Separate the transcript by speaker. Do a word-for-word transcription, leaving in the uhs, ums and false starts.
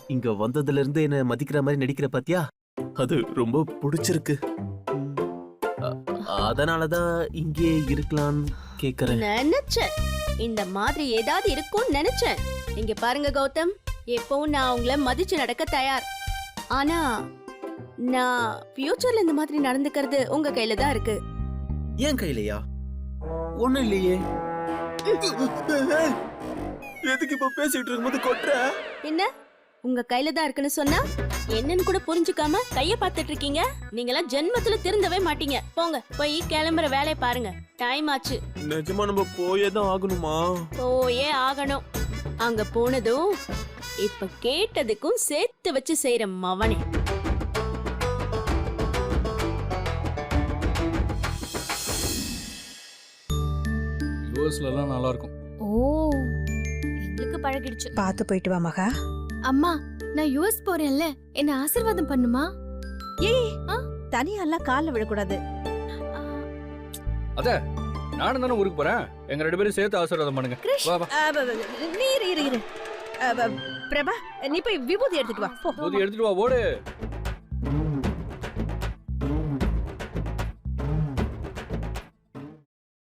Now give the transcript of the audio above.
Speaker 1: இங்க வந்ததுல இருந்து என்ன மதிக்கிற மாதிரி நடிக்கிற பாத்தியா? அது ரொம்ப பிடிச்சிருக்கு. அ- அதனாலதான் இங்கே இருக்கலாம்னு கேக்குறேன்.
Speaker 2: நினைச்சேன் இந்த மாதிரி ஏதாவது இருக்கும்னு நினைச்சேன். இங்க பாருங்க கௌதம், எப்பவும் நான் உங்களை மதிச்சு நடக்க தயார். ஆனா நான் ஃபியூச்சர்ல இந்த மாதிரி நடந்துக்கிறது உங்க கையில தான் இருக்கு.
Speaker 1: ஏன் கையிலையா? ஒண்ணும் இல்லையே. எதுக்கு இப்ப பேசிட்டு இருக்கும்போது கொட்டுற?
Speaker 2: என்ன உங்க கையில தான் இருக்குன்னு சொன்னா என்னன்னு கூட புரிஞ்சுக்காம கைய பார்த்துட்டு இருக்கீங்க. நீங்களாம் ஜென்மத்துல திருந்தவே மாட்டீங்க. போங்க, போய் கிளம்புற வேலையை பாருங்க. டைம் ஆச்சு.
Speaker 1: நிஜமா நம்ம போயே தான் ஆகணுமா?
Speaker 2: போயே ஆகணும். அங்க போனதும் இப்ப கேட்டதுக்கும் சேர்த்து வச்சு செய்யற மவனே.
Speaker 3: யூஎஸ்ல எல்லாம் நல்லா இருக்கும்.
Speaker 4: ஓ, எங்களுக்கு பழகிடுச்சு.
Speaker 5: பார்த்து போயிட்டு வா மகா.
Speaker 4: அம்மா, நான் யுஎஸ் போறேன்ல, என்ன ஆசீர்வாதம் பண்ணுமா?
Speaker 5: ஏய், தனியாலாம் கால்ல விழக்கூடாது.
Speaker 4: ஆ,
Speaker 3: அத நானும் தானே ஊருக்கு போறேன். எங்க ரெண்டு பேரும் சேர்த்து ஆசீர்வாதம் பண்ணுங்க.
Speaker 4: கிருஷ்,
Speaker 3: வா வா.
Speaker 5: அ, ப, ப, நீ இரு இரு இரு. அ, ப, பிரபா, நீ போய் விபூதி எடுத்துட்டு வா. போ.
Speaker 3: போதி எடுத்துட்டு வா, ஓடு.